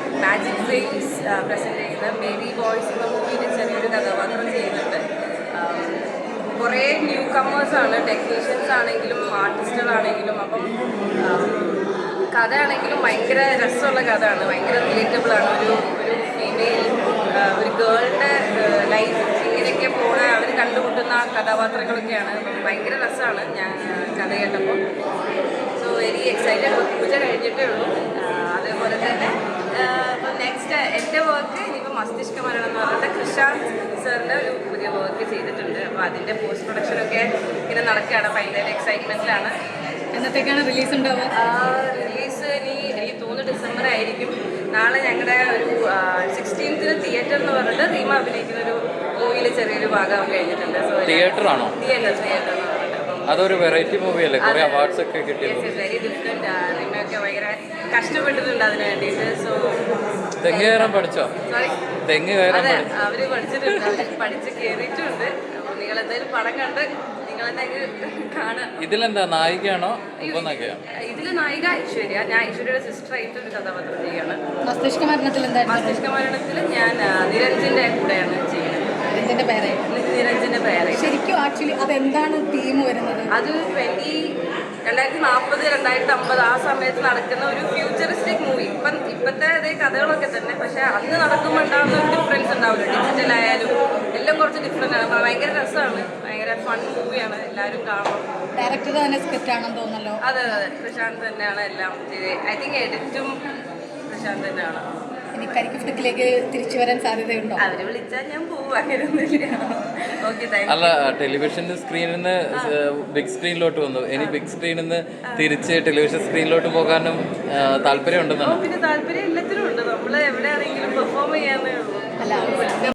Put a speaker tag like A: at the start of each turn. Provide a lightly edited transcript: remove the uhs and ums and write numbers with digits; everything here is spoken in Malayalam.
A: മാജിക് ഫ്രെയിംസ് പ്രസൻറ്റ് ചെയ്യുന്ന മേരി ബോയ്സ് എന്ന മൂവിയിൽ ചെറിയൊരു കഥാപാത്രം ചെയ്യുന്നുണ്ട്. കുറേ ന്യൂ കമേഴ്സാണ്, ടെക്നീഷ്യൻസ് ആണെങ്കിലും ആർട്ടിസ്റ്റുകളാണെങ്കിലും. അപ്പം കഥയാണെങ്കിലും ഭയങ്കര രസമുള്ള കഥയാണ്, ഭയങ്കര റിലേറ്റബിളാണ്. ഒരു ഫീമെയിൽ ഒരു ഗേളിൻ്റെ ലൈഫ് ഇങ്ങനെയൊക്കെ പോണ അവർ കണ്ടുമുട്ടുന്ന കഥാപാത്രങ്ങളൊക്കെയാണ്. അപ്പം ഭയങ്കര രസമാണ് ഞാൻ കഥ കേട്ടപ്പോൾ. So very excited. പൂജ കഴിഞ്ഞിട്ടേ ഉള്ളൂ. അതേപോലെ തന്നെ ഇപ്പം നെക്സ്റ്റ് എൻ്റെ വർക്ക് ഇനിയിപ്പോൾ മസ്തിഷ്ക മരണം എന്ന് പറഞ്ഞിട്ട് കൃഷാന്ത് സാറിൻ്റെ ഒരു പുതിയ വർക്ക് ചെയ്തിട്ടുണ്ട്. അപ്പോൾ അതിൻ്റെ പോസ്റ്റ് പ്രൊഡക്ഷനൊക്കെ ഇങ്ങനെ നടക്കുകയാണ്. ഭയങ്കര എക്സൈറ്റ്മെൻറ്റിലാണ്.
B: എന്നത്തേക്കാണ് റിലീസ് ഉണ്ടാവുക?
A: റിലീസ് എനിക്ക് തോന്നുന്നു ഡിസംബർ ആയിരിക്കും. നാളെ ഞങ്ങളുടെ ഒരു 16th തിയേറ്റർ എന്ന് പറഞ്ഞിട്ട് റീമ അഭിനയിക്കുന്ന ഒരു മൂവിയിൽ ചെറിയൊരു ഭാഗം കഴിഞ്ഞിട്ടുണ്ട്. സോ
C: തിയേറ്ററാണോ?
A: തിയേറ്റർ
C: അതൊരു വെറൈറ്റി മൂവി അല്ലേ? കുറേ അവാർഡ്സ് ഒക്കെ കിട്ടിയത്.
A: Very different. റീമയൊക്കെ ഭയങ്കര കഷ്ടപ്പെട്ടിട്ടുണ്ട് അതിന് വേണ്ടിയിട്ട്. സോ
C: തെങ്ങ് കയറാൻ പഠിച്ചോ?
A: സോറി,
C: തെങ്ങ് കയറാൻ
A: അതെ, അവർ പഠിച്ചിട്ടുണ്ട്, അവർ പഠിച്ച് കയറിയിട്ടുണ്ട്. അപ്പോൾ നിങ്ങളെന്തായാലും പടം കണ്ട് നിങ്ങളെന്തായാലും കാണാം.
C: ഇതിലെന്താ നായികയാണോ ഉപനായികയാണോ?
A: ഇതിൽ നായിക ഐശ്വര്യ. ഞാൻ ഐശ്വര്യയുടെ സിസ്റ്ററായിട്ട് ഒരു കഥാപാത്രം ചെയ്യുകയാണ്.
B: മസ്തിഷ്ക മരണത്തിൽ എന്തായിരുന്നു?
A: മസ്തിഷ്ക മരണത്തിൽ ഞാൻ നിരഞ്ജിൻ്റെ കൂടെയാണ് ചെയ്യുന്നത്.
B: ഇതിന്റെ പേര്
A: നിരഞ്ജിൻ്റെ പേര്.
B: ശരിക്കും ആക്ച്വലി അതെന്താണ് തീം വരുന്നത്?
A: അത് 2040 2050 ആ സമയത്ത് നടക്കുന്ന ഒരു ഫ്യൂച്ചറിസ്റ്റിക് മൂവി. ഇപ്പോഴത്തെ അതേ കഥകളൊക്കെ തന്നെ, പക്ഷെ അന്ന് നടക്കുമ്പോൾ ഉണ്ടാകുന്ന ഒരു ഡിഫറൻസ് ഉണ്ടാവില്ല. ഡിജിറ്റൽ ആയാലും എല്ലാം കുറച്ച് ഡിഫറെൻ്റ് ആണ്. ഭയങ്കര രസമാണ്, ഭയങ്കര ഫൺ മൂവിയാണ്. എല്ലാവരും കാണണം.
B: ഡയറക്ടർ തന്നെ സ്ക്രിപ്റ്റ് ആണെന്ന് തോന്നല്ലോ.
A: അതെ, പ്രശാന്ത് തന്നെയാണ് എല്ലാം ചെയ്തത്. ഐ തിങ്ക് എഡിറ്റും പ്രശാന്ത് തന്നെയാണ്.
B: ഇനി കരിക്ക് ഫിലിക്കിലേക്ക് തിരിച്ചു വരാൻ സാധ്യതയുണ്ടോ?
A: അവര് വിളിച്ചാൽ ഞാൻ പോകും, അങ്ങനെയൊന്നുമില്ല. Okay, thank you.
C: അല്ല, ടെലിവിഷൻ സ്ക്രീനിൽ നിന്ന് ബിഗ് സ്ക്രീനിലോട്ട് വന്നു. ഇനി ബിഗ് സ്ക്രീനിൽ നിന്ന് തിരിച്ച് ടെലിവിഷൻ സ്ക്രീനിലോട്ട് പോകാനും താല്പര്യം ഉണ്ടെന്നാണ്.
A: പിന്നെ താല്പര്യം എല്ലാത്തിനും ഉണ്ട്. നമ്മൾ എവിടെയാണെങ്കിലും പെർഫോം ചെയ്യാന്നേ ഉള്ളൂ.
B: അല്ല,